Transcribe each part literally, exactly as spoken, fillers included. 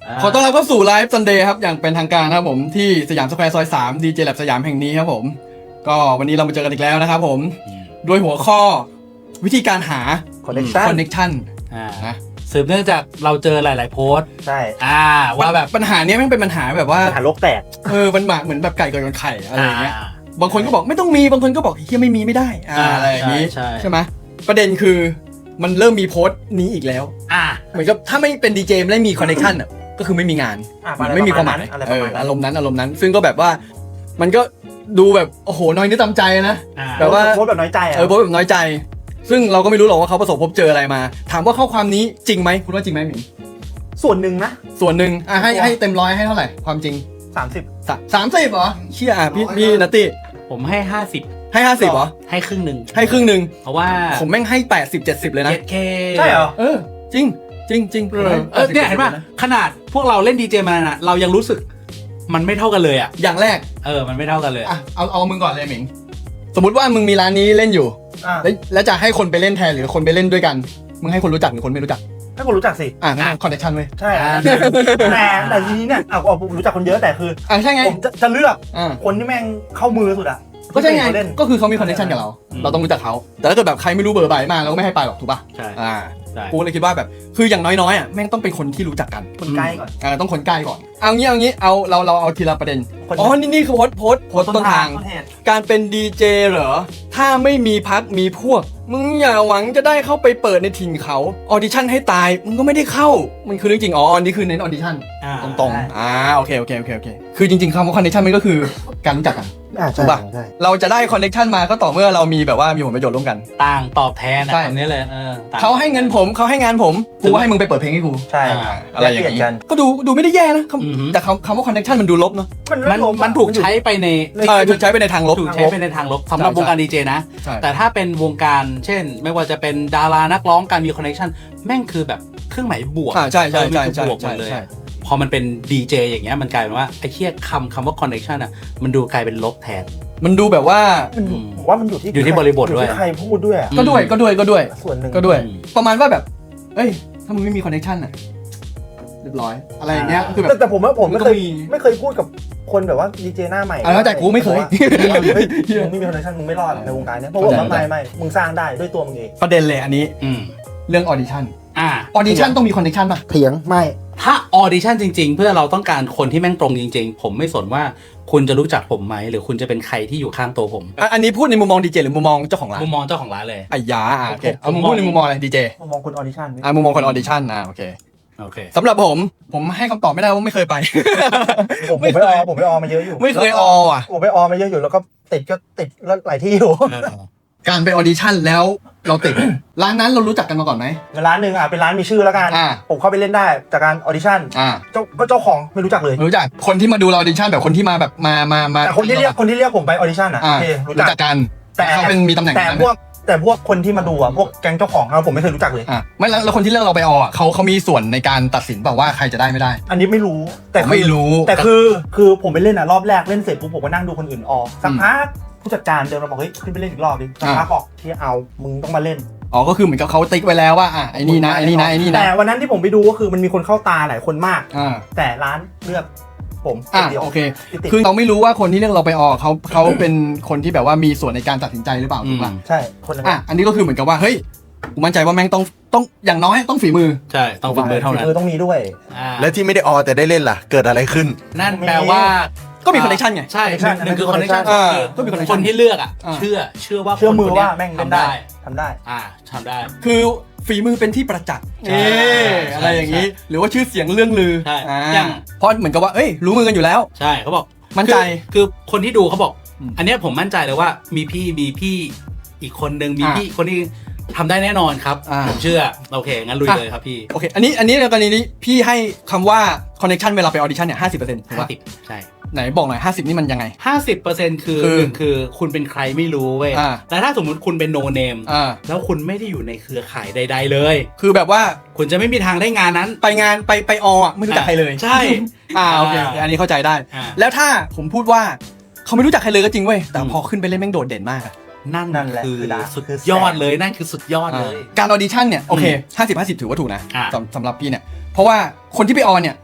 ขอต้อนรับเข้าสู่ไลฟ์ซันเดย์ครับอย่างเป็นทางการครับผมที่สยามสแควร์ซอยสาม ดี เจ Lab สยามแห่งนี้ครับผมก็วันนี้เรามาเจอกันอีกแล้วนะครับผมด้วยหัวข้อวิธีการหา connection connection อ่านะสืบเนื่องจากเราเจอหลาย ๆ โพสต์ใช่อ่าว่าแบบปัญหานี้มันเป็นปัญหาแบบว่าปัญหาโลกแตกเออมันเหมือนแบบไก่เกิดกับไข่อะไรอย่างเงี้ยบางคนก็บอกไม่ต้องมีบางคนก็บอกเฮียไม่มีไม่ได้อ่าอะไรอย่างงี้ใช่ไหมประเด็นคือมันเริ่มมีโพสต์นี้อีกแล้วอ่าเหมือนกับถ้าไม่เป็นดีเจไม่ได้มี connection อ่ะก็คือไม่มีงานมันไม่มีความหมายเอออารมณ์นั้นอารมณ์นั้นซึ่งก็แบบว่ามันก็ดูแบบโอ้โหน้อยนิดตามใจนะแบบว่าโพสแบบน้อยใจอ่ะเออโพสแบบน้อยใจซึ่งเราก็ไม่รู้หรอกว่าเขาประสบพบเจออะไรมาถามว่าข้อความนี้จริงไหมคุณว่าจริงไหมหมิงส่วนหนึ่งนะส่วนหนึ่งอ่ะให้ให้เต็มร้อยให้เท่าไหร่ความจริงสามสิบสามสิบเหรอเชี่ยอ่ะพี่พี่นัตตี้ผมให้ห้าสิบให้ห้าสิบเหรอให้ครึ่งหนึ่งให้ครึ่งหนึ่งเพราะว่าผมแม่งให้แปดสิบเจ็ดสิบเลยนะใช่เหรอเออจริงจริงจริงเออเนี่ยเห็นป่ะขนาดพวกเราเล่นดีเจมาน่ะเรายังรู้สึกมันไม่เท่ากันเลยอ่ะอย่างแรกเออมันไม่เท่ากันเลยอ่ะเอาเอามึงก่อนเลยหมิงสมมติว่ามึงมีร้านนี้เล่นอยู่แล้วแล้วจะให้คนไปเล่นแทนหรือคนไปเล่นด้วยกันมึงให้คนรู้จักหรือคนไม่รู้จักให้คนรู้จักสิอ่ะงั้นคอนเนคชั่นเว้ยใช่แต่แต่ทีนี้เนี่ยเอาเอารู้จักคนเยอะแต่คืออ่ะใช่ไงผมจะจะเลือกคนที่แม่งเข้ามือสุดอ่ะก็ใช่ไงก็คือเขามีคอนเนคชั่นกับเราเราต้องรู้จักเขาแต่ถ้าเกิดแบบใครไม่รู้เบอร์ใบมาเราก็ไม่ให้ไปหรอกถูกป่ะใช่อ่ากูเลยคิดว่าแบบคืออย่างน้อยๆอ่ะแม่งต้องเป็นคนที่รู้จักกันคนใกล้ก่อนอ่าต้องคนใกล้ก่อนเอางี้เอางี้เอาเราเราเอาทีละประเด็นอ๋อนี่นี่คือโพสโพสโพสต้นทางการเป็นดีเจเหรอถ้าไม่มีพักมีพวกมึงอย่าหวังจะได้เข้าไปเปิดในถิ่นเขาออดิชั่นให้ตายมึงก็ไม่ได้เข้ามันคือเรื่องจริงอ๋ออันนี้คือเน้นออดิชั่นตรงๆอ่าโอเคโอเคโอเคโอเคคือจริงๆคำว่าคอนเนคชั่นมันก็คือการรู้จักกันถูกป่ะเราจะได้คอนเนคชั่นมาก็ต่อเมื่อเรามีแบบว่ามีผลประโยชน์ร่วมกันต่างตอบแทนอ่ะอันนี้เลยเออเขาให้เงินผมเขาให้งานผมกูให้มึงไปเปิดเพลงให้กูใช่อะไรอย่างนี้ก็ดูดูไม่ได้แย่นะแต่คำคำว่าคอนเนคชั่นมันดูลบเนาะมันมันถูกใช้ไปในเออถูกใช้ไปในทางลบถูกใช้ไปในทางลบสำหรับวงการดีเจนะแต่ถ้าเป็นวงการเช่นไม่ว่าจะเป็นดารานักร้องการมีคอนเนคชั่นแม่งคือแบบเครื่องหมายบวกอ่าใช่ใช่ใช่ใช่บวกหมดเลยพอมันเป็นดีเจอย่างเงี้ยมันกลายเป็นว่าไอ้เหี้ยคำคำว่าคอนเนคชั่นอ่ะมันดูกลายเป็นลบแทนมันดูแบบว่าผมว่ามันอยู่ที่อยู่ที่บริบทด้วยใครพูดด้วยก็ด้วยก็ด้วยก็ด้วยส่วนหนึ่งก็ด้วยประมาณว่าแบบเอ้ยถ้ามึงไม่มีคอนเนคชั่นอ่ะเรียบร้อยอะไรอย่างเงี้ยคือแบบแต่ผมว่าผมไม่เคยไม่เคยพูดกับคนแบบว่าดีเจหน้าใหม่แล้วแต่กูไม่เคยมึงไม่มีคอนเนคชั่นมึงไม่รอดในวงการนี้เพราะว่าไม่ไม่มึงสร้างได้ด้วยตัวมึงเองประเด็นเลยอันนี้เรื่องออดิชั่นอ่าออดิชั่นต้องมีคอนเนคชั่นป่ะเถียงไม่ถ้าออดิชั่นจริงๆเพื่อเราต้องการคนที่แม่งตรงจริงๆผมไม่สนว่าคุณจะรู้จักผมไหมหรือคุณจะเป็นใครที่อยู่ข้างตัวผมอันนี้พูดในมุมมองดีเจหรือมุมมองเจ้าของร้านมุมมองเจ้าของร้านเลยไอ้ยาโอเคเอามุมพูดในมุมมองอะไรดีเจมุมมองคนออดิชั่นอ่ามุมมองคนออดิชั่นนะโอเคโอเคสำหรับผมผมให้คำตอบไม่ได้ว่าไม่เคยไปผมไม่ออผมไม่ออมาเยอะอยู่ไม่เคยอออ่ะผมไปออมาเยอะอยู่แล้วก็ติดก็ติดแล้วหลายที่อยู่การไปออดิชั่นแล้วเราติดร้านนั้นเรารู้จักกันมาก่อนไหมร้านหนึ่งอ่ะเป็นร้านมีชื่อแล้วกันผมเข้าไปเล่นได้จากการออดิชั่นเจ้าก็เจ้าของไม่รู้จักเลยรู้จักคนที่มาดูเราออดิชั่นแบบคนที่มาแบบมามามาแต่คนที่เรียกคนที่เรียกผมไปออดิชั่นอ่ะโอเครู้จักกันแต่เขาเป็นมีตำแหน่งแต่พวกแต่พวกคนที่มาดูอ่ะพวกแก๊งเจ้าของเราผมไม่เคยรู้จักเลยอ่ะไม่แล้วคนที่เลือกเราไปออเขาเขามีส่วนในการตัดสินเปล่าว่าใครจะได้ไม่ได้อันนี้ไม่รู้แต่ไม่รู้แต่คือคือผมไปเล่นอ่ะรอบแรกเล่นเสร็จปุ๊บผมก็นั่งดูคนอื่นออสักพักผู้จัดการเดินมาบอกเฮ้ยขึ้นไปเล่นอีกรอบดิสักพักบอกที่เอามึงต้องมาเล่นอ๋อก็คือเหมือนกับเขาติ๊กไว้แล้วว่าอ่ะไอ้นี่นะไอ้นี่นะไอ้นี่นะแต่วันนั้นที่ผมไปดูก็คือมันมีคนเข้าตาหลายคนมากแต่ร้านเลือกผมอ่ะโอเคคือเราไม่รู้ว่าคนที่เลือกเราไปออกเขาเขาเป็นคนที่แบบว่ามีส่วนในการตัดสินใจหรือเปล่าถูกป่ะใช่คนนั้นอ่ะอันนี้ก็คือเหมือนกับว่าเฮ้ยกูมั่นใจว่าแม่งต้องต้องอย่างน้อยต้องฝีมือใช่ต้องฝีมือเท่านั้นฝีมือต้องมีด้วยแล้วที่ไม่ได้ออแต่ได้เล่นล่ะเกิดอะไรขึ้นนั่นแปลว่าก็มีคอนเนคชั่นไงใช่หนึ่งคือคอนเนคชั่นก็มีคนที่เลือกอ่ะเชื่อเชื่อว่าเชื่อมือว่าแม่งทำได้ทำได้อ่าทำได้คือฝีมือเป็นที่ประจักษ์เอออะไรอย่างนี้หรือว่าชื่อเสียงเรื่องลืออย่างเพราะเหมือนกับว่าเอ้ยรู้มือกันอยู่แล้วใช่เขาบอกมั่นใจคือคนที่ดูเขาบอกอันนี้ผมมั่นใจเลยว่ามีพี่มีพี่อีกคนนึงมีพี่คนที่ทำได้แน่นอนครับผมเชื่อโอเคงั้นลุยเลยครับพี่โอเคอันนี้อันนี้ในกรณีนี้พี่ให้คำว่าคอนเนคชั่นเวลาไปออดิชั่นเนี่ยห้าสิบเปอร์เซ็นต์ถูกป่ะใช่ไหนบอกหน่อยห้าสิบนี่มันยังไงห้าสิบเปอร์เซ็นต์ คือหนึ่งคือคุณเป็นใครไม่รู้เว้ยแต่ถ้าสมมุติคุณเป็นโนเนมแล้วคุณไม่ได้อยู่ในเครือข่ายใดๆเลยคือแบบว่าคุณจะไม่มีทางได้งานนั้นไปงานไปไปออ่ะไม่รู้จักใครเลยใช่อ่าโอเคอันนี้เข้าใจได้แล้วถ้าผมพูดว่าเขาไม่รู้จักใครเลยก็จริงเว้ยแต่พอขึ้นไปเล่นแม่งโดดเด่นมากนั่นคือสุดยอดเลยนั่นคือสุดยอดเลยการออดิชั่นเนี่ยโอเคห้าสิบ ห้าสิบถือว่าถูกนะสำหรับพี่เนี่ยเพราะว่าคนที่ไปออเนี่ย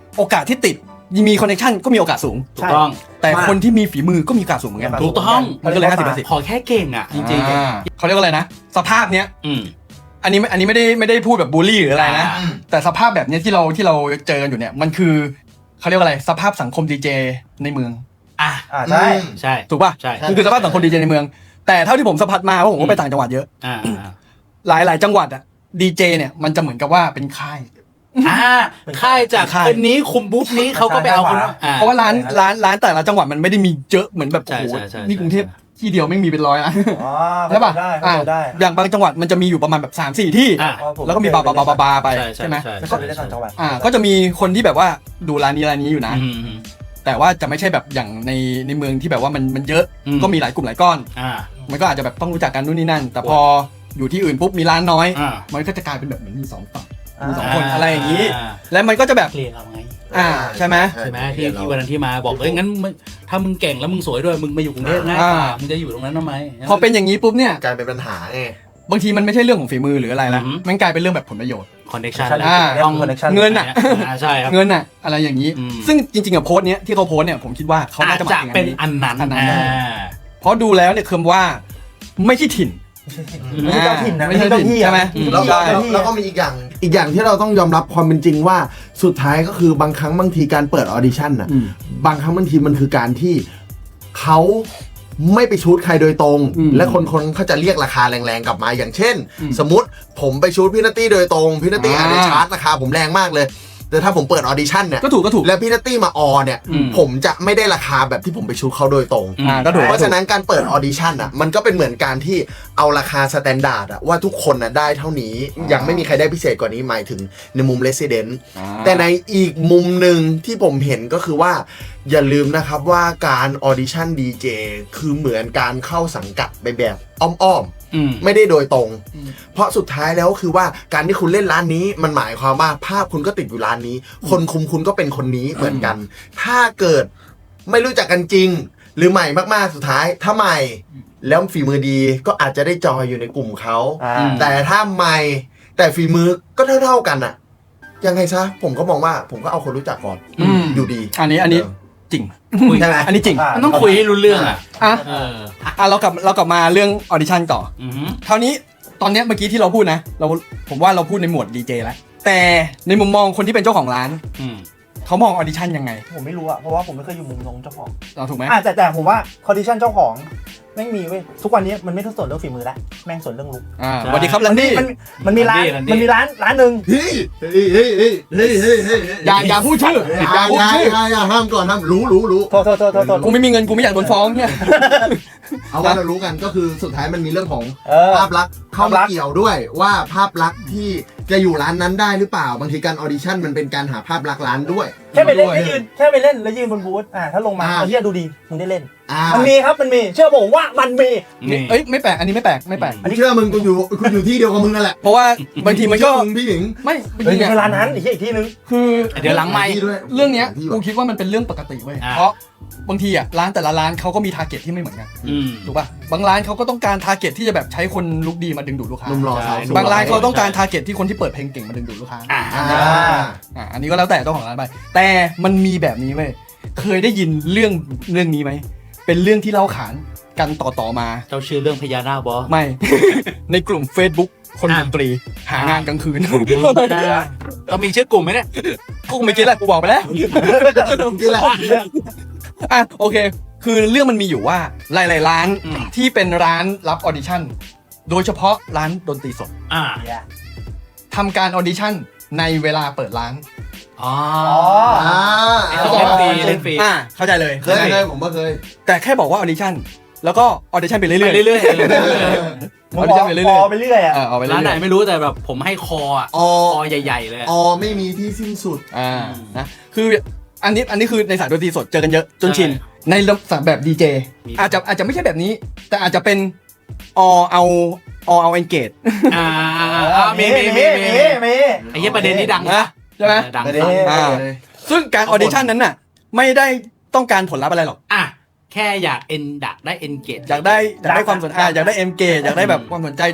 โอกาสที่ติดมีคอนเนคชั่นก็มีโอกาสสูงถูกต้องแต่คนที่มีฝีมือก็มีโอกาสสูงเหมือนกันถูกต้องมันก็เลยห้าสิบเปอร์เซ็นต์ขอแค่เก่งอ่ะจริงอ่าเขาเรียกว่าอะไรนะ สภาพเนี้ยๆอืมอันนี้อันนี้ไม่ได้ไม่ได้พูดแบบบูลลี่หรืออะไรนะอ่าแต่สภาพแบบเนี้ยที่เราที่เราเจอกันอยู่เนี่ยมันคือเขาเรียกว่าอะไรสภาพสังคมดีเจในเมืองอ่ะอ่าใช่ใช่ถูกป่ะใช่มันคือสภาพสังคมดีเจในเมือง แต่เท่าที่ผมสัมผัสมาเพราะผมก็ไปต่างจังหวัดเยอะอ่าอ่าหลายหลายจังหวัดอะดีเจเนี่ยมันจะเหมือนกับว่าเป็นค่ายอ่าค่ายจากค่ายคนนี้คุมบุ๊บนี้เขาก็ไปเอาคนนั้นอ่เพราะว่าร้านร้านร้านแต่ละจังหวัดมันไม่ได้มีเยอะเหมือนแบบใช่โอ้โหใช่ใช่นี่กรุงเทพที่เดียวไม่งมีเป็นร้อยนะอ๋อใช่ป่ะได้อ่าเข้าใจได้อย่างบางจังหวัดมันจะมีอยู่ประมาณแบบสามสี่ที่อ่าแล้วก็มีบาบาบาบาบาไปใช่ใช่ใช่ไหมใช่ไม่ค่อยไปได้ต่างจังหวัดอ่าก็จะมีคนที่แบบว่าดูร้านนี้ร้านนี้อยู่นะอืมอืมแต่ว่าจะไม่ใช่แบบอย่างในในเมืองที่แบบว่ามันมันเยอะอืมก็มีหลายกลุ่มหลายก้อนอ่ามันก็อาจจะแบบต้องรู้จักกันนู่นนี่นั่น แต่พออยู่ที่อื่นปุ๊บมีร้านน้อยอ่ามันก็จะกลายเป็นแบบเหมือนมีสองฝั่งอ่ามีสองคนอะไรอย่างนี้อ่าแล้วมันก็จะแบบเคลียร์เราไงอ่าใช่ไหมใช่ไหมที่ที่วันนั้นที่มาบอกเอ้ยงั้นมึงถ้ามึงเก่งแล้วมึงสวยด้วยมึงมาอยู่กรุงเทพง่ายกว่าอ่ามึงจะอยู่ตรงนั้นทำไมพอเป็นอย่างนี้ปุ๊บเนี่ยกลายเป็นปัญหาไงบางทีมันไม่ใช่เรื่องของฝีมือหรืออะไรละอือหือมันกลายเป็นเรื่องแบบผลประโยชน์คอนเนคชั่นอ่าต้อง connection เงินอะอ่าใช่ครับเงินอะอะไรอย่างนี้อืมซึ่งจริงๆกับโพสต์เนี้ยที่เขาโพสต์เนี่ยผมคิดว่าเขาอาน่าจจะหจะมายถึงเป็นอันนี้อันนั้นอันนั้นอ่าเพราะดูแล้วเนี่ยคือว่าไม่ใช่ถิ่นไม่ใช่เจ้าถิ่นนะไม่ใช่เจ้าถิ่นที่ใช่ไหมอืมแล้วก็ใช่แล้วแล้วก็มีอีกอย่าง อีกอย่างที่เราต้องยอมรับความเป็นจริงว่าสุดท้ายก็คือบางครั้งบางทีการเปิดออดิชั่นน่ะอืมบางครั้งบางทีมันคือการที่เขาไม่ไปชูดใครโดยตรงอืมและคนคนเขาจะเรียกราคาแรงๆกลับมาอย่างเช่นอืมสมมติผมไปชูดพี่นัตตี้โดยตรงพี่นัตตี้อ่าอาจจะชาร์จราคาผมแรงมากเลย แต่ถ้าผมเปิดออดิชั่นเนี่ยก็ถูกก็ถูกแล้วพี่นัตตี้มาออเนี่ยอืมผมจะไม่ได้ราคาแบบที่ผมไปชูดเขาโดยตรงอ่าก็ถูกเพราะฉะนั้นการเปิดออดิชั่นอ่ะมันก็เป็นเหมือนการที่เอาราคาสแตนดาร์ดอ่ะว่าทุกคนอ่ะได้เท่านี้อ่ายัยังไม่มีใครได้พิเศษกว่านี้หมายถึงในมุม Resident อ่าแต่ในอีกมุมหนึ่งที่ผมเห็นก็คือว่า อย่าลืมนะครับว่าการออดิชั่นดีเจคือเหมือนการเข้าสังกัดไปแบบอ้อมอืมๆ ไม่ได้โดยตรงอืมเพราะสุดท้ายแล้วคือว่าการที่คุณเล่นร้านนี้มันหมายความว่าภาพคุณก็ติดอยู่ร้านนี้ คนคุมคุณก็เป็นคนนี้เหมือนกัน ถ้าเกิดไม่รู้จักกันจริง หรือใหม่มากๆสุดท้ายถ้าใหม่แล้วฝีมือดีก็อาจจะได้จอยอยู่ในกลุ่มเขาอ่าแต่ถ้าใหม่แต่ฝีมือก็เท่าๆกันอะยังไงซะผมก็มองว่าผมก็เอาคนรู้จักก่อนอืมอยู่ดีอันนี้อันนี้จริงคุยใช่ไหมอันนี้จริงอ่ามันต้องคุยให้รู้เรื่องอ่ะอ่ะเอออ่ะเรากลับเรากลับมาเรื่องออดิชั่นต่ออือหือคราวนี้ตอนเนี้ยเมื่อกี้ที่เราพูดนะเราผมว่าเราพูดในหมวดดีเจแล้วแต่ในมุมมองคนที่เป็นเจ้าของร้านอืมเขามองออดิชั่นยังไงผมไม่รู้อะเพราะว่าผมไม่เคยอยู่มุมตรงเจ้าของเราถูกไหมอ่าแต่แต่ผมว่าคอนดิชันเจ้าของแม่งมีเว้ยทุกวันนี้มันไม่ต้องสนเรื่องฝีมือแล้วแม่งสนเรื่องลุกอ่าสวัสดีครับแลนดี้มันมันมีร้าน Landy มันมีร้านร้านหนึ่งเฮ้ยเฮ้ยเฮ้ยเฮ้ยเฮ้ยเฮ้ยเฮ้ยอย่าอย่าพูดชื่ออย่าพูดชื่ออย่าอย่าห้ามก่อนห้ามรู้รู้รู้โทษโทษโทษโทษโทษกูไม่มีเงินกูไม่อยากโดนฟ้องเนี่ยเอาว่าเรารู้กันก็คือสุดท้ายมันมีเรื่องของเออภาพลักษณ์เข้าภาพลัมากษณ์เกี่ยวด้วยว่าภาพลักษณ์ที่จะอยู่ร้านนั้นได้หรือเปล่าบางทีการออดิชั่นมันเป็นการหาภาพลักษณ์ร้านด้วยแค่ไปเล่นด้วยแค่ยืนแค่ไปเล่นแล้วยืนบนบูธอ่าถ้าลงมาอ่าเอาเฮียดูดีมึงได้เล่นอ่ามันมีครับมันมีเชื่อผมว่ามันมีนี่เอ้ยไม่แปลกอันนี้ไม่แปลกไม่แปลกอันนี้เชื่อมึงกูอยู่กูอยู่ที่เดียวกับมึงนั่นแหละเพราะว่าบางทีมันก็เชื่อมึงพี่หญิงไม่บางเฮ้ยทีไม่เนี่ยใช่ร้านนั้นอีกที่อีกที่นึงคือเดี๋ยวหลังไมค์ที่ด้วยเรื่องเนี้ยที่กูคิดว่ามันเป็นเรื่องปกติเว้ยอ่าเพราะบางทีอ่ะร้านแต่ละร้านเขาก็มีทาร์เก็ตที่ไม่เหมือนกันอืมถูกป่ะบางร้านเขาก็ต้องการทาร์เก็ตที่จะแบบใช้คนลุกดีมาดึงดูดลูกค้าหนุ่มรอสาวสวยบางร้านเขาต้องการทาร์เก็ตที่คนที่เปิดเพลงเก่งมาดึงดูดลูกค้าอ่าอ่าอ่าอันนี้ก็แล้วแต่เจ้าของร้านไป แต่มันมีแบบนี้เว้ยเคยได้ยินเรื่องเรื่องนี้ไหมเป็นเรื่องที่เล่าขานกันต่อๆมาเจ้าชื่อเรื่องพญานาคบอไม่ ในกลุ่ม Facebook คนอ่ะดนตรีหางานกลางคืนเรามีชื่อกลุ่มไหมเนี่ยกูไม่คิดแหละกูบอกไปแล้วนี่แหละอ่ะโอเค คือเรื่องมันมีอยู่ว่าหลายๆร้านอืมที่เป็นร้านรับออดิชั่นโดยเฉพาะร้านดนตรีสดอ่าทำการออดิชั่นในเวลาเปิดร้านอ๋ออ่าเล่นฟรีเล่นฟรีอ่าเข้าใจเลยเคยเคยผมก็เคยแต่แค่บอกว่าออดิชั่นแล้วก็ออดิชั่นไปเรื่อยไปๆเรื่อยมึงบอกพอไปเรื่อยอ่ะเออเอาไปๆเรื่ร้านไหนอยไม่รู้แต่แบบผมให้คออ่ะออคอใหญ่ๆเลยอะออไม่มีที่สิ้นสุดๆอ่านะคืออันนี้อันนี้คือในสายดนตรีสดเจอกันเยอะจนชินในสายแบบดีเจอาจจะอาจจะไม่ใช่แบบนี้ แต่อาจจะเป็นอเอาอเอาเอนเกตอ่าอ่ามีมีมีมีมีไอ้เหี้ยประเด็นนี้ดังนะใช่ไหมดังประเด็นดังอ่า ซึ่งการออดิชั่นนั้นน่ะไม่ได้ต้องการผลลัพธ์อะไรหรอกอ่ะแค่อยากเอ็นดักได้เอ็นเกตอยากได้อยากได้ความสนใจอยากได้เอ็มเกอยากได้แบบความสนใจจาก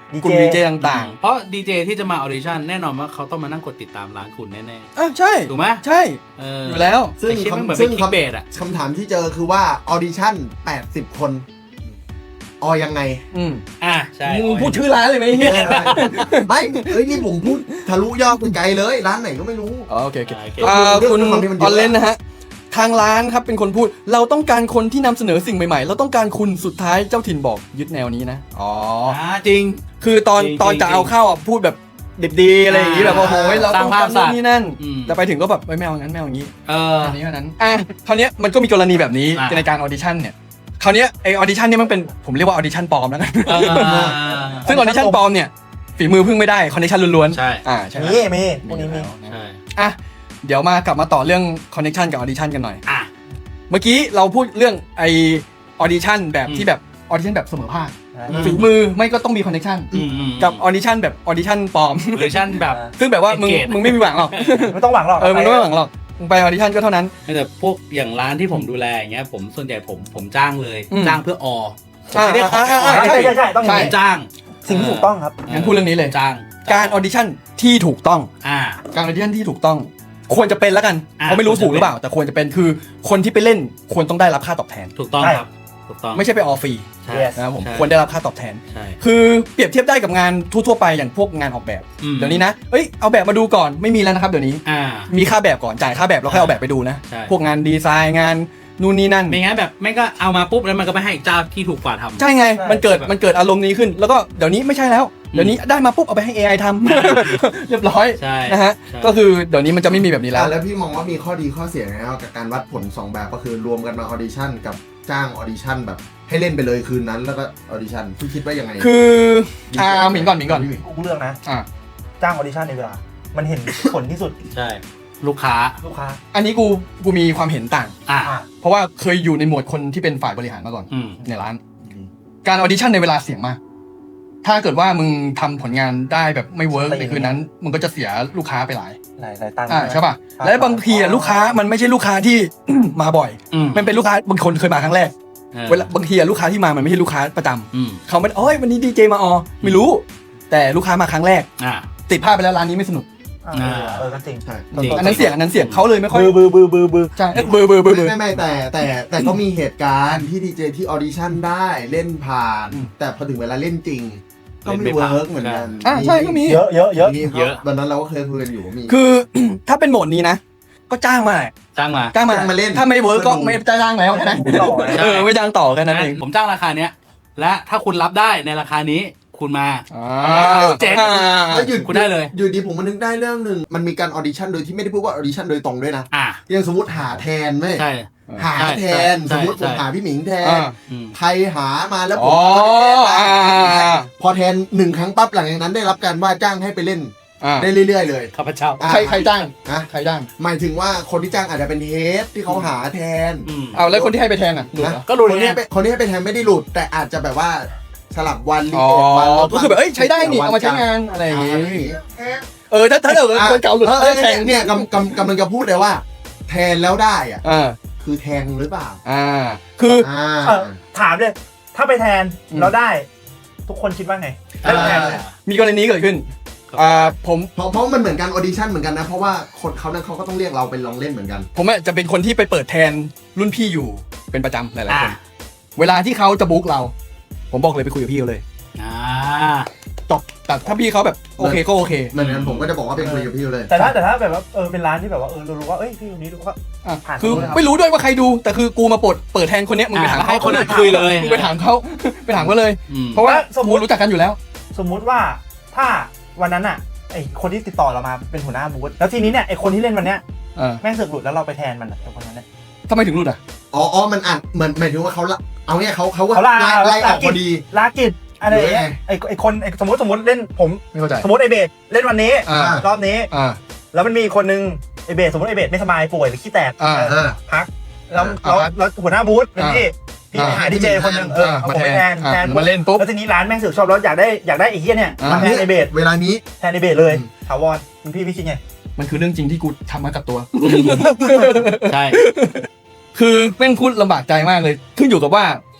ดีกลุ่เจมดีเจต่างเพราะดีเจที่จะมาออดิชั่นแน่นอนว่าเขาต้องมานั่งกดติดตามร้านคุณแน่ๆอ่ะใช่ๆถูกไหมใช่เออออยู่แล้วซึ่งไอ้เชี่ยมันเหมือนซึ่งเป็น clickbait อะคำถามที่เจอคือว่าออดิชั่นแปดสิบคนออยังไงอืมอ่ะใช่มึงพูดชื่อร้านเลยไหมเนี่ยไม่เอ้ยนี่ผมพูดทะลุยอดไปไกลเลย ร้านไหนก็ไม่รู้อ๋อโอเคโอเคโอเคอ่าเรื่องคุณเรื่องความที่มันเยออะอนเลนนะฮะทางร้านครับเป็นคนพูดเราต้องการคนที่นำเสนอสิ่งใหม่ๆ เราต้องการคุณสุดท้ายเจ้าถิ่นบอกยึดแนวนี้นะอ๋ออ่าจริงคือตอนจริงตอนจริงจะเอาเข้าอ่ะพูดแบบดิบดีอะไรอย่างงี้แบบอ่าโอ้โหเราต้องการสร้างภาพนู่นนี่นั่นอืมแต่ไปถึงก็แบบไม่เอางั้นไม่เอาอย่างงี้เอออันนี้เท่านั้นอ่ะคราวเนี้ยมันก็มีกรณีแบบนี้อ่ะในการออดิชั่นเนี่ยคราวเนี้ยไอออดิชั่นเนี่ยมันเป็นผมเรียกว่าออดิชั่นปลอมแล้วกันเออซึ่งออดิชั่นปลอมเนี่ยฝีมือพึ่งไม่ได้คอนเนคชั่นล้วนๆใช่อ่าใช่ไหมมีมีพวกนี้มีใช่อ่ะเดี๋ยวมากลับมาต่อเรื่องคอนเนคชั่นกับออดิชั่นกันหน่อยอ่ะเมื่อกี้เราพูดเรื่องไอออดิชั่นแบบอืมที่แบบออดิชั่นแบบเสมอภาคอืมฝีมือไม่ก็ต้องมีคอนเนคชั่นอืมอืมกับออดิชั่นแบบออดิชั่นปลอมเวอร์ชันแบบซึ่งแบบว่ามึง Engage มึงไม่มีหวังหรอกไม่ต้องหวังหรอกเออมึงไม่มีหวังหรอกมึงไปออดิชั่นก็เท่านั้นแต่พวกอย่างร้านที่ผมดูแลอย่างเงี้ยผมส่วนใหญ่ผมผมจ้างเลยอืมจ้างเพื่ออออ่าไม่ได้ขออ่าอ่าใช่ใช่ใช่ต้องอย่างผมนี้จ้างสิ่งที่ถูกต้องครับงั้นพูดเรื่องนี้เลยจ้างการออดิชั่นที่ถูกต้องอ่าการออดิชั่นที่ถูกต้อง ควรจะเป็นแล้วกันอ่ะเขาะไม่รู้ควรจะถูกหรือเปล่า แต่ควรจะเป็นคือคนที่ไปเล่นควรต้องได้รับค่าตอบแทนถูกต้องใช่ครับถูกต้องไม่ใช่ไปออฟรีใช่ Yes นะครับผมใช่ควรได้รับค่าตอบแทนใช่คือเปรียบเทียบได้กับงานทั่วๆไปอย่างพวกงานออกแบบอืมเดี๋ยวนี้นะเอ้ยเอาแบบมาดูก่อนไม่มีแล้วนะครับเดี๋ยวนี้อ่ามีค่าแบบก่อนจ่ายค่าแบบแล้วค่อยเอาแบบไปดูนะใช่พวกงานดีไซน์งานนู่นนี่นั่นไม่งั้นแบบไม่ก็เอามาปุ๊บแล้วมันก็ไปให้อีกเจ้าที่ถูกกว่าทำใช่ไงใช่มันเกิดมันเกิดอารมณ์นี้ขึ้น แล้วก็เดี๋ยวนี้ไม่ใช่แล้ว เดี๋ยวนี้ได้มาปุ๊บเอาไปให้ เอ ไอ ทำ เรียบร้อยใช่นะฮะใช่ก็คือเดี๋ยวนี้มันจะไม่มีแบบนี้แล้วแล้วพี่มองว่ามีข้อดีข้อเสียไงครับกับการวัดผลสองแบบก็คือรวมกันมาออดิชั่นกับจ้างออดิชั่นแบบให้เล่นไปเลยคืนนั้นแล้วก็ออดิชั่นพี่คิดว่ายังไงคืออ่าหมิงก่อนหมิงก่อนพี่หมิงกูเลือกนะอ่าจ้างออดิชั่นในเวลา มันเห็นผลที่สุดใช่ ลูกค้าลูกค้าอันนี้กูกูมีความเห็นต่างอ่าอ่ะเพราะว่าเคยอยู่ในหมวดคนที่เป็นฝ่ายบริหารมาก่อนอืมในร้าน การออดิชั่นในเวลาเสี่ยงมาก ถ้าเกิดว่ามึงทำผลงานได้แบบไม่เวิร์กในคืนนั้น มึงก็จะเสียลูกค้าไปหลายหลายหลายตังค์อ่าใช่ป่ะครับและบางทีอ่ะลูกค้ามันไม่ใช่ลูกค้าที่ มาบ่อยอืมมันเป็นลูกค้าบางคนเคยมาครั้งแรกออเวลาบางทีอ่ะลูกค้าที่มามันไม่ใช่ลูกค้าประจำอืมเขาไม่เอ้ยวันนี้ดีเจมาออไม่รู้ แต่ลูกค้ามาครั้งแรกอ่าติดภาพไปแล้วร้านนี้ไม่สนุกอ่าเออก็จริงใช่จริงอันนั้นเสี่ยงอันนั้นเสี่ยงเขาเลยไม่ค่อยบือบือบือบือบือใช่เอ้ยเบอร์เบอร์เบอร์เบอร์ไม่ไม่แต่แต่แต่ก็มีเหตุการณ์ที่ดีเจที่ออดิชั่นได้เล่นผ่านอืมแต่พอถึงเวลาเล่นจริง ก็เล่นไม่ไม่ผ่านเวิร์กเหมือนกันอ่าใช่ก็มีเยอะเยอะเยอะมีเยอะตอนนั้นเราก็เคยคุยกันอยู่ว่ามีคือ ถ้าเป็นโหมดนี้นะ ก็จ้างมาแหละจ้างมาจ้างมาจ้างมาเล่นถ้าไม่เวิร์กก็เพื่อดูไม่จ้างแล้วแค่นั้นต่อนะเออไม่จ้างต่อแค่นั้นเองผมจ้างราคาเนี้ย และถ้าคุณรับได้ในราคานี้ คุณมาอ่าเจ๋งอ่าแล้วหยุดคุณได้เลยอยู่ดีผมมันนึกได้เรื่องหนึ่งมันมีการออดิชั่นโดยที่ไม่ได้พูดว่าออดิชั่นโดยตรงด้วยนะอ่าอย่างสมมติหาแทนไหมใช่หาแทนใช่สมมติใช่ผมหาพี่หมิงแทนอ่าอืมใครหามาแล้วผอ๋มอก็ไม่ได้อ่าแทนพอแทนหนึ่งครั้งปั๊บหลังจากนั้นได้รับการว่าจ้างให้ไปเล่นอ่าได้เรื่อยๆเลยข้าพเจ้าอ่ะใครใครจ้างฮะใครจ้างหมายถึงว่าคนที่จ้างอาจจะเป็นเฮดที่เขาหาแทนอืมเอาแล้วคนที่ให้ไปแทนอ่ะดูเหรอก็ดูคนเนี่ที่ยให้ไปคนที่ให้ไปแทนไม่ได้หลุด แต่อาจจะแบบว่าสลับวันรีอ๋อเอ็ดวันแล้วก็คือแบบเอ้ยใช้ได้นี่เอามาใช้งานอะไรอย่างงี้งี้เออถ้าถ้าเกิดคนเก่าหลุดเออได้แทแทงงเนี่ยกำกำกำลังจะพูดเลยว่า แทนแล้วได้อะอ่าคือแทงหรือเปล่าอ่าคืออ่าเออถามเลย ถ้าไปแทนอืมเราได้ ทุกคนคิดว่าไงอ่าได้แทนมีกรณีเกิดขึ้นอ่าผมเพราะเพราะมันเหมือนการออดิชั่นเหมือนกันนะ เพราะว่าคนเขานั้นเขาก็ต้องเรียกเราไปลองเล่นเหมือนกันผมอะจะเป็นคนที่ไปเปิดแทนรุ่นพี่อยู่เป็นประจำหลายๆคนอ่าเวลาที่เขาจะบุ๊กเรา ผมบอกเลยไปคุยกับพี่เขาเลยอ่าจบแต่ถ้าพี่เขาแบบโอเคก็โอเคเหมือนกันผมก็จะบอกว่าเป็นคุยกับพี่เลยแต่ถ้าแต่ถ้าแบบว่าเออเป็นร้านที่แบบว่าเออเรารู้ว่าเอ้ยพี่คนนี้รู้ว่าอ่ะผ่านคือรู้นะครับไม่รู้ด้วยว่าใครดูแต่คือกูมาเปิดเปิดแทนคนเนี้ยมึงไปถามอ่ะเขาให้คนอื่นคุยเลยมึงไปถามเขา ไปถามเขาเลยอืมเพราะว่าสมมุกูติรู้จักกันอยู่แล้วสมมุติว่าถ้าวันนั้นอ่ะไอคนที่ติดต่อเรามาเป็นหัวหน้าบูธแล้วทีนี้เนี่ยไอคนที่เล่นวันเนี้ยเออแม่งเสือกหลุดแล้วเราไปแทนมันอะไอคนนั้นเนี่ยทำไมถึงรู้อ่ะอ๋ออ๋อมันอ่านเหมือนหมายถึงว่าเขาละเอาเนี่ยเขาเขาเขาลาไล่ไล่ออกพอดีลากิจอะไรอย่างเงี้ยหรือไงไอไอคนไอสมมติสมมติเล่นผมไม่เข้าใจสมมติไอเบสเล่นวันนี้อ่ารอบนี้อ่าแล้วมันมีอีกคนนึงไอเบสสมมติไอเบสไม่สบายป่วยหรือขี้แตกอ่าเออพักแล้วอ่าแล้วแล้วหัวหน้าบูธเป็นพี่พี่อ่าหาดีเจคนหนึงเอออ่าเอามาผมแทไปนแทนอ่าแทนมาเล่นปุ๊บแล้วทีนี้ร้านแม่งเสือกชอบแล้วอยากได้อยากได้ไอ้เหี้ยเนี่ยอ่ามาแทนไอเบสเวลานี้แทนไอเบสเลยอืมถาวรคุณพี่พี่คิดไงมันคือเรื่องจริงที่กูทำมากับตัวใช่คือแม่งพูดลำบากใจมากเลย ขึ้นอยู่กับว่า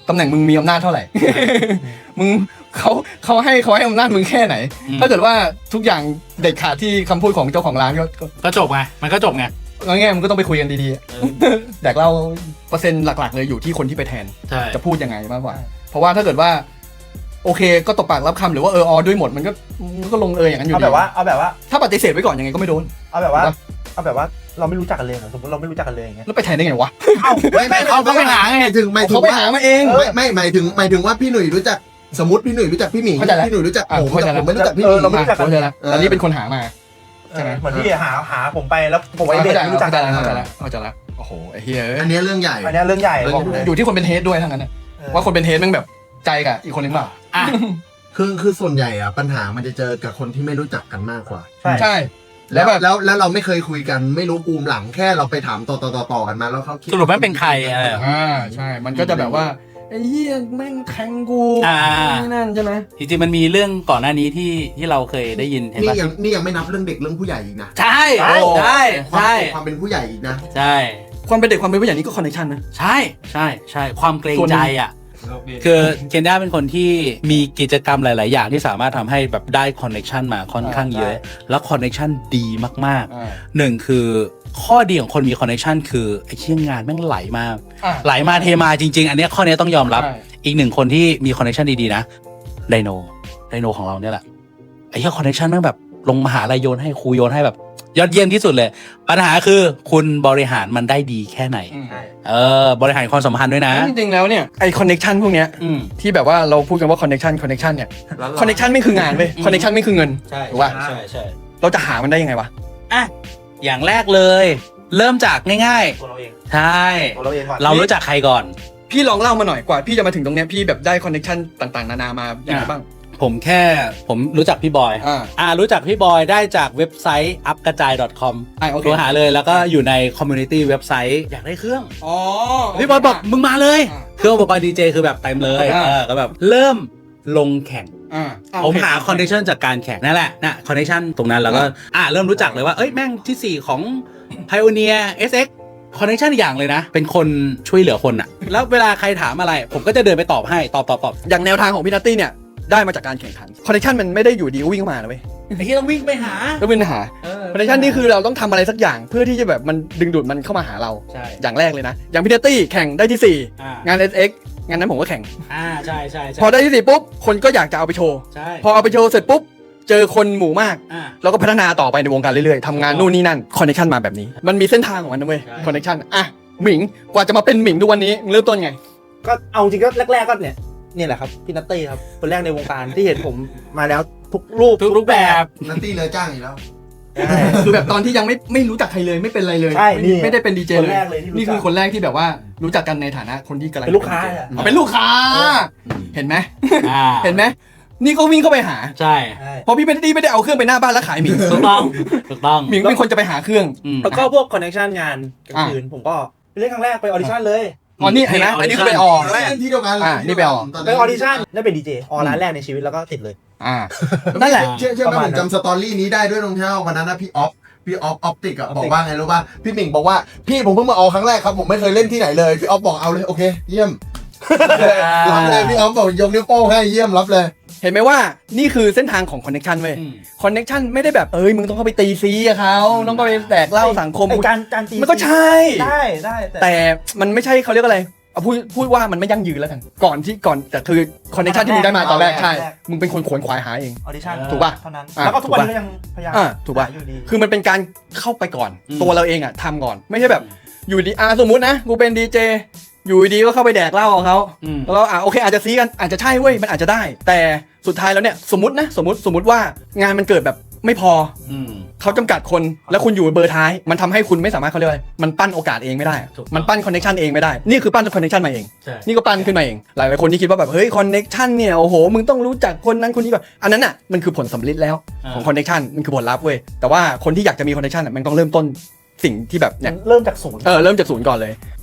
ตำแหน่งมึงมีอำนาจเท่าไหร่ มึงเขาเขาให้เขาให้อำนาจมึงแค่ไหน ถ้าเกิดว่าทุกอย่างเด็ดขาดที่คำพูดของเจ้าของร้านก็ก็จบไงมันก็จบไงงั้นไงมึงก็ต้องไปคุยกันดีๆ แดกเหล้าเปอร์เซ็นต์หลักๆเลยอยู่ที่คนที่ไปแทนใช่จะพูดยังไงมากกว่า เพราะว่าถ้าเกิดว่าโอเคก็ตกปากรับคำหรือว่าเออออด้วยหมดมันก็มันก็ลงเอยอย่างนั้นอยู่เอาดีแบบว่าเอาแบบว่าถ้าปฏิเสธไว้ก่อนยังไงก็ไม่โดนเอาแบบว่าเอาแบบว่าเราไม่รู้จักกันเลยเหรอสมมติเราไม่รู้จักกันเลยอย่างเงี้ยแล้วไปแทนได้ไงวะไม่ไม่เขาก็ไปหาไงหมายถึงหมายถึงเขาไปว่าหามาเองไม่ไม่หมายถึงหมายถึงว่าพี่หนุ่ยรู้จักสมมติพี่หนุ่ยรู้จักพี่หมิงเข้าใจแล้วพี่หนุ่ยรู้จักอ่ะผมเข้าใจแต่แล้วผมไม่รู้จักพี่หเอมิอง เราไม่รู้จักเข้าใจแล้วแต่นี่เป็นคนหามา ใช่ไหมเหมือนที่หาหาผมไปแล้วผมไอเด็กไม่รู้จักเข้าใจกันแล้วเข้าใจแล้วเข้าใจแล้วโอ้โหไอ้เฮียอันนี้เรื่องใหญ่อันเนี้ยเรื่องใหญ่บอกเลยอยู่ที่คนเป็นเฮดด้วยทั้งนั้นนะว่าคนเป็นเฮดแม่งแบบใจกับอีกคนนึงเปล่าอ่ะคือคือส่วนใหญ่อะปัญหามันจะเจอกับคนที่ไม่รู้จักกันมากกว่าใช่ใช่แล้แล้ว วแบบแล้วแล้วเราไม่เคยคุยกันไม่รู้ปูมหลังแค่เราไปถามต่อต่อต่อต่อกันมาแล้วเขาคิดสรุปแม่งเป็นใครอะไรเหรออ่าใช่ มันก็จะแบบว่าไอ้เหี้ยแม่งแทงกูอ่านี่นั่นใช่ไหมจริงๆมันมีเรื่องก่อนหน้านี้ที่ที่เราเคยได้ยินเห็นนี่ปะยังนี่ยังไม่นับเรื่องเด็กเรื่องผู้ใหญ่อีกนะใช่ใช่ใช่ความใช่ความเป็นผู้ใหญ่อีกนะใช่ความเป็นเด็กความเป็นผู้ใหญ่นี่ก็คอนเนคชั่นนะใช่ใช่ใช่ความเกรงส่วนหนึ่ใจงอ่ะคือเคนด้าเป็นคนที่มีกิจกรรมหลาย ๆ อย่างที่สามารถทำให้แบบได้คอนเน t ชันมาค่อนข้างเยอะ แล้วคอนเน t ชันดีมากอ่าๆหนึ่งคือข้อดีของคนมีคอนเน t ชันคือไอ้เชี่ยงานแม่งไหลมากอ่าไหลมาเทมาจริง ๆ อันเนี้ยข้อนี้ต้องยอมรับใช่อีกหนึ่งคนที่มีคอนเน t ชันดี ๆ นะไดโนไดโนของเราเนี่ยแหละไอ้เชี่ยคอนเน t ชันแม่งแบบลงมหาลัยโยนให้ครูโยนให้แบบยอดเยี่ยมที่สุดเลย ปัญหาคือคุณบริหารมันได้ดีแค่ไหนอืมเออบริหารความสัมพันธ์ด้วยนะจริงๆแล้วเนี่ยไอคอนเนคชันพวกเนี้ยอืมที่แบบว่าเราพูดกันว่าคอนเนคชันคอนเนคชันเนี่ยคอนเนคชันไม่คืองานเว้ยอืมคอนเนคชันไม่คือเงินใช่ถูกป่ะใช่ใช่เราจะหามันได้ยังไงวะอ่ะอย่างแรกเลย เริ่มจากง่ายตัวเราเองๆ ใช่ตัวเราเองก่อนเรารู้จักใครก่อนพี่ลองเล่ามาหน่อยกว่าพี่จะมาถึงตรงเนี้ยพี่แบบได้คอนเนคชันต่างๆนานามาอย่างไรบ้างผมแค่ผมรู้จักพี่บอยอ่าอ่ารู้จักพี่บอยได้จากเว็บไซต์ อัพกระจาย .com อ่าโอเคโทรหาเลยแล้วก็อยู่ในคอมมูนิตี้เว็บไซต์อยากได้เครื่องอ๋อพี่บอยบอกมึงมาเลยอ่าเครื่องอุปกรณ์ดีเจคือแบบเต็มเลยอ่าเออก็แบบเริ่มลงแข่งอ่าผมหาคอนเนคชันจากการแข่งนั่นแหละนะคอนเนคชันตรงนั้นแล้วก็อ่าเริ่มรู้จักเลยว่าเอ้ยแม่งที่สี่ของ Pioneer เอส เอ็กซ์ คอนเนคชันอย่างเลยนะ เป็นคนช่วยเหลือคนอะแล้วเวลาใครถามอะไร ผมก็จะเดินไปตอบให้ตอบตอบตอบอย่างแนวทางของพี่นัตตี้เนี่ยได้มาจากการแข่งขันคอนเนคชันมันไม่ได้อยู่ดีก็วิ่งเข้ามานะเว้ยไอ้ที่ต้องวิ่งไปหาแล้ววิ่งหาเออคอนเนคชันนี่คือเราต้องทำอะไรสักอย่างเพื่อที่จะแบบมันดึงดูดมันเข้ามาหาเราใช่อย่างแรกเลยนะ อย่างพี่นัตตี้แข่งได้ที่สี่อ่างาน เอส เอ็กซ์ งานนั้นผมก็แข่งอ่าใช่ใช่ใช่พอได้ที่สี่ปุ๊บคนก็อยากจะเอาไปโชว์ใช่พอเอาไปโชว์เสร็จปุ๊บเจอคนหมู่มากอ่าเราก็พัฒนาต่อไปในวงการเรื่อยๆทำงานนู่นนี่นั่นคอนเนคชันมาแบบนี้ มันมีเส้นทางของมันนะเว้ยใช่คอนเนคชันอ่ะหมิงกว่าจะมาเป็นหมิงทุกวันนี้เริ่มต้นไงก็เอาจริงก็แรกๆก็เนี่ยเนี่ยแหละครับพี่นัตตี้ครับคนแรกในวงการที่เห็นผมมาแล้วทุกรูปทุกรูปแบบนัตตี้เลยจ้างอีกแล้วใช่คือแบบตอนที่ยังไม่ไม่รู้จักใครเลยไม่เป็นอะไรเลยใช่ไม่นี่ไม่ได้เป็นดีเจคนเลยแรกเลยที่รู้จักนี่คือคนแรกที่แบบว่ารู้จักกันในฐานะคนที่กำลังเป็นลูกค้าดีจอะอ๋อเป็นลูกค้า เห็นไหมอ่าเห็นไหมนี่ก็วิ่งเข้าไปหาใช่ใช่เพราะพี่ไม่ได้ไม่ได้เอาเครื่องไปหน้าบ้านแล้วขายหมิงถูกต้องถูกต้องหมิงเป็นคนจะไปหาเครื่องอืมแล้วก็พวกคอนเนคชันงานกลางคืนผมก็ไปเล่นครั้งแรกไปออดิชั่นเลยอ๋อนี่เห็นไหมอันนี้คือไปออกแรกที่เดียวกันอ่านี่ไปออกตนไปนั้นออดิชั่นได้เป็นดีเจออร้านแรกในชีวิตแล้วก็ติดเลยอ่านั่นแหละเชื่อเชื่อไหมประผมาณมนั้นจำสตอรี่นี้ได้ด้วยรองเท้าวันนั้นนะพี่ออฟพี่ออฟออปติกอะบอกว่าไงรู้ป่ะพี่หมิงบอกว่าพี่ผมเพิ่งมาออกครั้งแรกครับผมไม่เคยเล่นที่ไหนเลยพี่ออฟบอกเอาเลยโอเค เยี่ยมรับเลยพี่ออฟบอกยกนิ้วโป้งให้เยี่ยมรับเลยเห็นไหมว่านี่คือเส้นทางของคอนเนคชันเว้ยอืมคอนเนคชันไม่ได้แบบเอ้ยมึงต้องเข้าไปตีซีกับเขาต้องเข้าไปแตกเหล่าสังคมไอ้การการตีมันก็ใช่ได้ได้แต่แต่มันไม่ใช่เขาเรียกอะไรเอาพูดพูดว่ามันไม่ยั่งยืนแล้วกันก่อนที่ก่อนแต่คือคอนเนคชันที่มึงได้มาตอนแรกใช่มึงเป็นคนขวนขวายหาเองออดิชั่นถูกป่ะเท่านั้นอ่ะแล้วก็ทุกวันถูกป่ะนี้ก็ยังพยายามอ่าถูกป่ะหาอยู่ดีคือมันเป็นการเข้าไปก่อนอืมตัวเราเองอ่ะทำก่อน ไม่ใช่แบบอยู่ดีอ่ะสมมุตินะกูเป็นดีเจอยู่ดีก็เข้าไปแดกเหล้าของเขาอืมแล้วก็อ่ะโอเคอาจจะซีกันอาจจะใช่เว้ยมันอาจจะได้ แต่สุดท้ายแล้วเนี่ยสมมตินะสมมติสมมติว่างานมันเกิดแบบไม่พออืมเขาจำกัดคนแล้วคุณอยู่เบอร์ท้ายมันทำให้คุณไม่สามารถเขาเรียกว่าอะไรมันปั้นโอกาสเองไม่ได้ถูกต้องมันปั้นคอนเนคชันเองไม่ได้นี่คือปั้นคอนเนคชันมาเองใช่นี่ก็ปั้นขึ้นมาเอง หลายหลายคนที่คิดว่าแบบเฮ้ยคอนเน็กชันเนี่ยโอ้โหมึงต้องรู้จักคนนั้นคนนี้ก่อนอันนั้นอ่ะมันคือผลสำลิดแล้วอ่าของคอนเน็กชันมันคือผลลัพธ์เว้ยแต่ว่าคนที่อยากจะมีคอนเน็กชันอ่ะมันต้องเริ่มต้นสิ่งที่แบบเนี่ยเริ่มจากศูนย์เออเริ่มจากศูนย์ก่อนเลย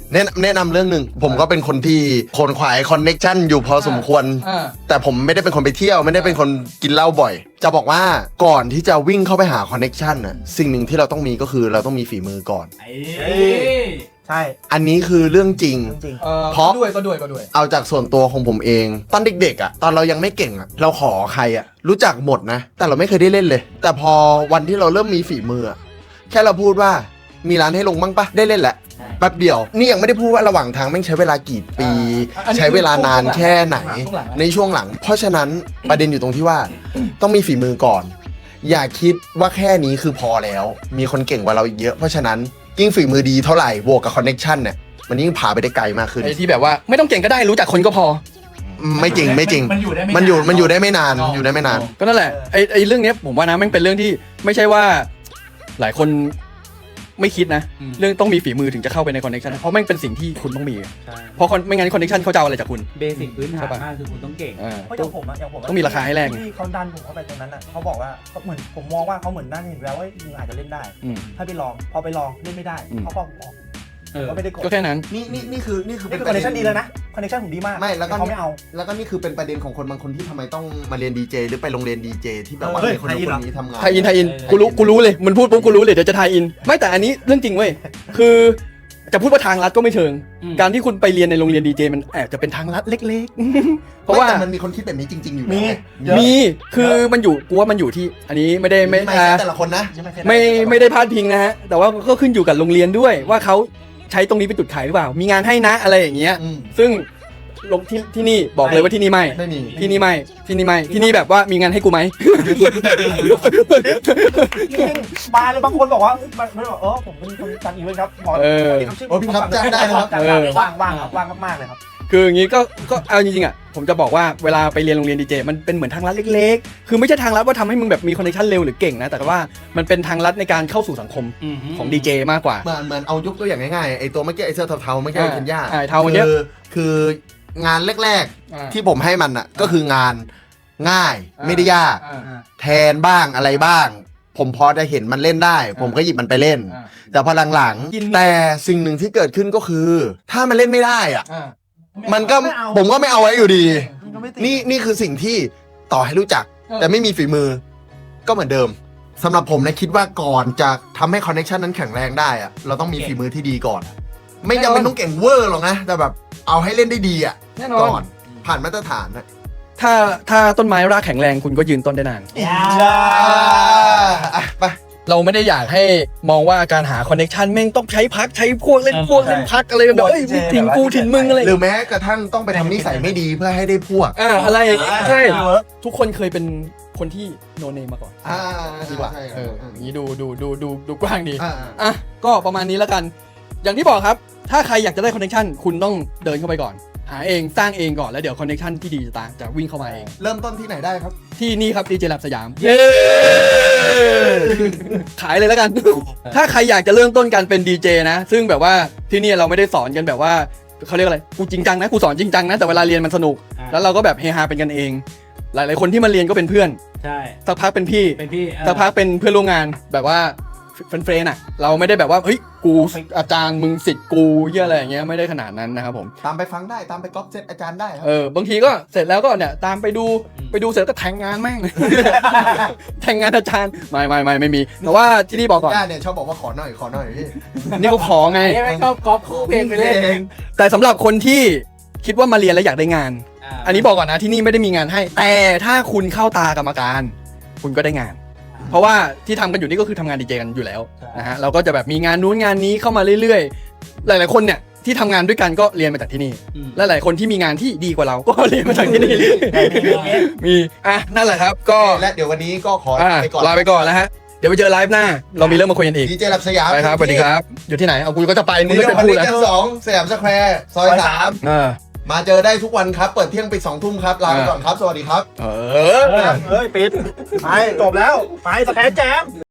แนะแนะนำเรื่องหนึ่งผมก็เป็นคนที่ขนขวายคอนเน็กชันอยู่พอสมควรอ่าแต่ผมไม่ได้เป็นคนไปเที่ยวไม่ได้เป็นคนกินเหล้าบ่อย จะบอกว่าก่อนที่จะวิ่งเข้าไปหาคอนเน็กชันน่ะสิ่งหนึ่งที่เราต้องมีก็คือเราต้องมีฝีมือก่อนใช่อันนี้คือเรื่องจริงจริงเออเพราะก็ด้วยก็ด้วยก็ด้วยเอาจากส่วนตัวของผมเอง ตอนเด็กๆอ่ะตอนเรายังไม่เก่งอ่ะเราขอใครอ่ะรู้จักหมดนะ แต่เราไม่เคยได้เล่นเลย แต่พอวันที่เราเริ่มมีฝีมืออะแค่เราพูดว่ามีร้านให้ลงบ้างปะได้เล่นแหละแป๊บเดียวนี่ยังไม่ได้พูดว่าระหว่างทางแม่งใช้เวลากี่ปีอ่าอันนี้ใช้เวลานานแค่ไหนช่วงหลังนะในช่วงหลัง เพราะฉะนั้นประเด็นอยู่ตรงที่ว่าต้องมีฝีมือก่อน อย่าคิดว่าแค่นี้คือพอแล้ว มีคนเก่งกว่าเราอีกเยอะเพราะฉะนั้นยิ่งฝีมือดีเท่าไหร่บวกกับคอนเน็กชันเนี่ยมันยิ่งพาไปได้ไกลมากขึ้นไอ้ที่แบบว่าไม่ต้องเก่งก็ได้รู้จักคนก็พอไม่จริงไม่จริงมันอยู่ได้ไม่มันอยู่นานมันอยู่ได้ไม่นานอยู่ได้ไม่นานก็นั่นแหละไอ้ไอ้เรื่องเนี้ยผมว่านะแม่งเป็นเรื่องที่ไม่ใช่ว่าหลายคนไม่คิดนะอืมเรื่องต้องมีฝีมือถึงจะเข้าไปในคอนเนคชันเพราะแม่งเป็นสิ่งที่คุณต้องมีใช่เพราะ con- ไม่งั้นคอนเนคชันเขาจะเอาอะไรจากคุณเบสิกพื้นฐานใช่ปะมากคือคุณต้องเก่งอ่าเพราะอย่างผมอะอย่างผมะต้องมีราคาให้แลกที่เขาดันผมเข้าไปตรงนั้นอ่ะเขาบอกว่าเขาเหมือนผมมองว่าเขาเหมือนน่าจะเห็นแล้วว่ามึงอาจจะเล่นได้อืมถ้าไปลองพอไปลองเล่นไม่ได้อืมเขาก็ออกเออก็ไม่ได้กดก็แค่นั้นนี่นี่นี่คือนี่คือนี่คือคอนเนคชั่นดีแล้วนะคอนเนคชั่นผมดีมากไม่แล้วก็เขาไม่เอาแล้วก็นี่คือเป็นประเด็นของคนบางคนที่ทำไมต้องมาเรียนดีเจหรือไปโรงเรียนดีเจที่แบบว่าเฮ้ยให้คนนู้นไทยอินคเหรอนนี้ทำงานไทยอินไทยอินเออกูรู้กูรู้เลยมันพูดปุ๊บกูรู้เลยเดี๋ยวจะไทยอิน ไม่แต่อันนี้เรื่องจริงเว้ยคือจะพูดว่าทางลัดก็ไม่เชิงอืมการที่คุณไปเรียนในโรงเรียนดีเจมันแอบจะเป็นทางลัดเล็กๆ เพราะว่าไม่แต่มันมีคนคิดแบบนี้จริง ๆ อยู่มีนะเยอะมีคือมันอยู่กูว่ามันอยู่ที่อันนี้ไม่ได้ไม่ไม่อ่าใช่แต่ละคนนะไม่ไม่ได้พาดพิงนะฮะแต่ว่าก็ขึ้นอยู่กับโรงเรียนด้วยว่าเขาใช้ตรงนี้เป็นจุดขายหรือเปล่า มีงานให้นะอะไรอย่างเงี้ยอืมซึ่งลงที่ที่นี่บอกเลยว่าที่นี่ไม่ไม่มีที่นี่ไม่ที่นี่ไม่ที่นี่แบบว่ามีงานให้กูไหมจริงๆมาเลยบางคนบอกว่ามันมันบอกเออผมเป็นคนจัดอีเวนต์ครับขอเออโอ้พี่ครับจ้างได้นะครับจ้างได้ว่างว่างครับว่างมากๆเลยครับคืออย่างงี้ก็ก็เอาจริงๆอ่ะผมจะบอกว่าเวลาไปเรียนโรงเรียนดีเจมันเป็นเหมือนทางลัดเล็กๆ คือไม่ใช่ทางลัดว่าทำให้มึงแบบมีคอนเนคชั่นเร็วหรือเก่งนะแต่ว่ามันเป็นทางลัดในการเข้าสู่สังคมของดีเจมากกว่าเหมือนเหมือนเอายกตัวอย่างง่ายๆไอ้ตัวเมื่อกี้ไอ้เสื้อเทาๆเมื่อกี้อ่าเคนย่าอ่าเทาเมื่อกี้คือคืองานแรกอ่าๆ ที่ผมให้มันอ่ะก็คืองานง่ายอ่าไม่ได้ยากอ่าแทนบ้างอะไรบ้าง ผมพอจะเห็นมันเล่นได้ ผมก็หยิบมันไปเล่นอ่าแต่พอหลังกินๆแต่สิ่งหนึ่งที่เกิดขึ้นก็คือ ถ้ามันเล่นไม่ได้อ่ะอ่ามันก็ไม่เอาผมก็ไม่เอาไว้อยู่ดีมันก็ไม่ติดนี่นี่คือสิ่งที่ต่อให้รู้จักเออแต่ไม่มีฝีมือ ก็เหมือนเดิมสำหรับผมนะคิดว่าก่อนจะทำให้คอนเนคชันนั้นแข็งแรงได้อะเราต้องมีฝีมือที่ดีก่อน ไม่จำเป็นต้องเก่งเวอร์หรอกนะ แต่แบบเอาให้เล่นได้ดีอ่ะแน่นอนก่อนผ่านมาตรฐานนะถ้าถ้าต้นไม้รากแข็งแรงคุณก็ยืนต้นได้นานอ่ะไปเราไม่ได้อยากให้มองว่าการหาคอนเนคชันแม่งต้องใช้พักใช้พวกเล่นเออพวกเล่นพักอะไรแบบเอ้ยมึงถิ่นกูถิ่นมึงอะไรหรือแม้กระทั่งต้องไปทำนิสัยไม่ดีเพื่อให้ได้พวกอ่าอะไรอย่างงี้ใช่เวิร์กทุกคนเคยเป็นคนที่โนเนมมาก่อนอ่าดีกว่าใช่ครับเอออย่างนี้ดูดูดูดูดูกว้างดีอ่าอ่ะก็ประมาณนี้แล้วกัน อย่างที่บอกครับ ถ้าใครอยากจะได้คอนเนคชันคุณต้องเดินเข้าไปก่อน หาเองสร้างเองก่อนแล้วเดี๋ยวคอนเนคชันที่ดีจะตามจะวิ่งเข้ามาเองเริ่มต้นที่ไหนได้ครับที่นี่ครับดีเจแลบสยามเย้ขายเลยแล้วกัน ถ้าใครอยากจะเริ่มต้นการเป็นดีเจนะ ซึ่งแบบว่าที่นี่เราไม่ได้สอนกันแบบว่าเขาเรียกอะไรกูจริงจังนะกูสอนจริงจังนะแต่เวลาเรียนมันสนุกอ่าแล้วเราก็แบบเฮฮาเป็นกันเอง หลายๆคนที่มาเรียนก็เป็นเพื่อนใช่สักพักเป็นพี่เป็นพี่เออสักพักเป็นเพื่อนร่วมงานแบบว่าเฟรนด์ๆอ่ะ เราไม่ได้แบบว่าเฮ้ยกูอาจารย์มึงศิษย์กูเหี้ยอะไรอย่างเงี้ยไม่ได้ขนาดนั้นนะครับผมตามไปฟังได้ตามไปก๊อปเซตอาจารย์ได้ครับเออบางทีก็เสร็จแล้วก็เนี่ยตามไปดูไปดูเสร็จแล้วก็แทงงานแม่ง แทงงานอาจารย์ไม่ไม่ไม่ไม่มีแต่ว่าที่นี่บอกก่อนย่าเนี่ยชอบบอกว่าขอหน่อยขอหน่อยพี่นี่ก็ขอไงไอ้ไม่ชอบก๊อปคู่เพลงไปเล่นแต่สำหที่คนที่คิดว่ามาเรียนแล้วอยากได้งาน อันนี้บอกก่อนนะที่นี่ไม่ได้มีงานให้ แต่ถ้าคุณเข้าตากรรมการ คุณก็ได้งาน เพราะว่าที่ทำกันอยู่นี่ก็คือทำงานดีเจกันอยู่แล้วนะฮะเราก็จะแบบมีงานนู้นงานนี้เข้ามาเรื่อยๆ หลายๆคนเนี่ยที่ทำงานด้วยกันก็เรียนมาจากที่นี่อืมและหลายคนที่มีงานที่ดีกว่าเราก็เรียนมาจากที่นี่ มีอ่ะนั่นแหละครับก็และเดี๋ยววันนี้ก็ขออ่ะไปก่อนลาไปก่อนแล้วฮะเดี๋ยวไปเจอไลฟ์หน้า เรามีเรื่องมาคุยกันอีกดีเจรับสยามไปครับสวัสดีครับ อยู่ที่ไหนเอากูก็จะไปมึงนี่ไม่ก็จะพันพูลิดตแล้วชั้นสองสยามสแควร์ซอยสามเออมาเจอได้ทุกวันครับ เปิดเที่ยงปิดสองทุ่มครับลาไปก่อนครับ สวัสดีครับเออเฮ้ยปิดไปจบแล้วไปสแตนแจม